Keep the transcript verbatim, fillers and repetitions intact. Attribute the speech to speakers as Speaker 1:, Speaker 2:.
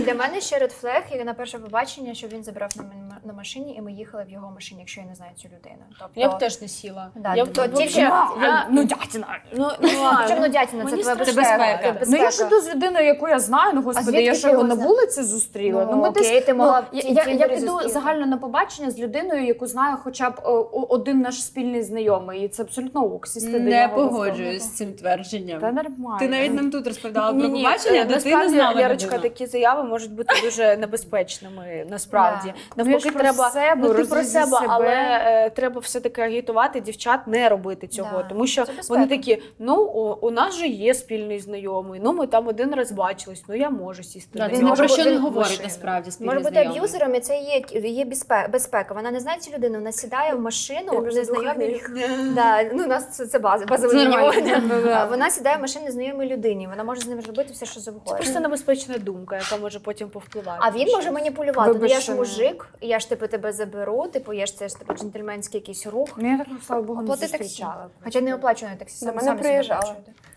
Speaker 1: Для мене ще red flag, як на перше побачення, що він забрав на, мен- на машині, і ми їхали в його машині, якщо я не знаю цю людину. Тобто,
Speaker 2: Я б теж не сіла.
Speaker 1: Да,
Speaker 2: я б
Speaker 1: то
Speaker 2: то
Speaker 1: тільки-
Speaker 2: тільки...
Speaker 3: Я, ну, дятіна.
Speaker 2: Ну, ну, ладно.
Speaker 1: Чому дятіна? Це
Speaker 2: Мені
Speaker 1: твоя
Speaker 2: страшно.
Speaker 1: безпека.
Speaker 3: безпека. Ну я ж іду з людиною, яку я знаю, ну господи,
Speaker 1: звідки
Speaker 3: я
Speaker 1: ти
Speaker 3: що його
Speaker 1: його
Speaker 3: на
Speaker 1: зна-
Speaker 3: вулиці зустріла.
Speaker 1: Ну,
Speaker 3: ми
Speaker 1: окей,
Speaker 3: десь-
Speaker 1: ти могла
Speaker 3: ну,
Speaker 1: в
Speaker 3: я, я,
Speaker 1: Тіндері
Speaker 3: я піду
Speaker 1: зустріти.
Speaker 3: загально на побачення з людиною, яку знає хоча б о, о- один наш спільний знайомий. І це абсолютно ок, сісти до
Speaker 2: Не
Speaker 3: нього.
Speaker 2: погоджуюсь з цим твердженням.
Speaker 3: Та нормально.
Speaker 2: Ти навіть нам тут розповідала про
Speaker 4: Ні-ні,
Speaker 2: побачення,
Speaker 4: е,
Speaker 2: де ти не
Speaker 4: насправді,
Speaker 2: знала
Speaker 4: Ярочка,
Speaker 2: людину.
Speaker 4: такі заяви можуть бути дуже небезпечними, насправді.
Speaker 3: Ну, я
Speaker 4: Навпаки,
Speaker 3: ж про
Speaker 4: треба,
Speaker 3: себе,
Speaker 4: ну ти про
Speaker 3: розвези
Speaker 4: себе,
Speaker 3: себе.
Speaker 4: але е, треба все-таки агітувати дівчат не робити цього,
Speaker 1: Да,
Speaker 4: тому що
Speaker 1: це безпека.
Speaker 4: вони такі, ну, у, у нас же є спільний знайомий, ну, ми там один раз бачились, ну, я можу сісти
Speaker 2: Да,
Speaker 4: до
Speaker 2: це
Speaker 1: він
Speaker 2: ні
Speaker 4: нього.
Speaker 1: може
Speaker 2: про що
Speaker 1: бути-
Speaker 2: не
Speaker 1: він
Speaker 2: говорить
Speaker 1: машина.
Speaker 2: насправді спільний
Speaker 1: Може бути
Speaker 2: знайомий.
Speaker 1: аб'юзером, і це є, є безпека, безпека. Вона не знає цю людину, вона сідає в машину, незнайомі. Да, ну, у нас це, це база, базове
Speaker 2: Це нормально.
Speaker 1: мінімум.
Speaker 3: Ну, да.
Speaker 1: А Вона сідає в машину незнайомій людині, вона може з ним робити все, що
Speaker 4: Це
Speaker 1: завгодно.
Speaker 4: просто небезпечна думка, яка може потім повпливати.
Speaker 1: А він
Speaker 4: на
Speaker 1: може
Speaker 4: щось.
Speaker 1: маніпулювати. Ну,
Speaker 3: Вибач,
Speaker 1: я ж
Speaker 3: що не-
Speaker 1: мужик, я ж типу тебе заберу, типу, я ж це ж типу джентльменський якийсь рух.
Speaker 3: Ну я так, слава Богу, не
Speaker 1: Оплати таксі.
Speaker 3: зустрічала.
Speaker 1: Хоча не оплачую на таксі,
Speaker 5: До
Speaker 1: самі
Speaker 5: мене
Speaker 1: самі собі
Speaker 5: приїжджали.
Speaker 1: оплачуєте.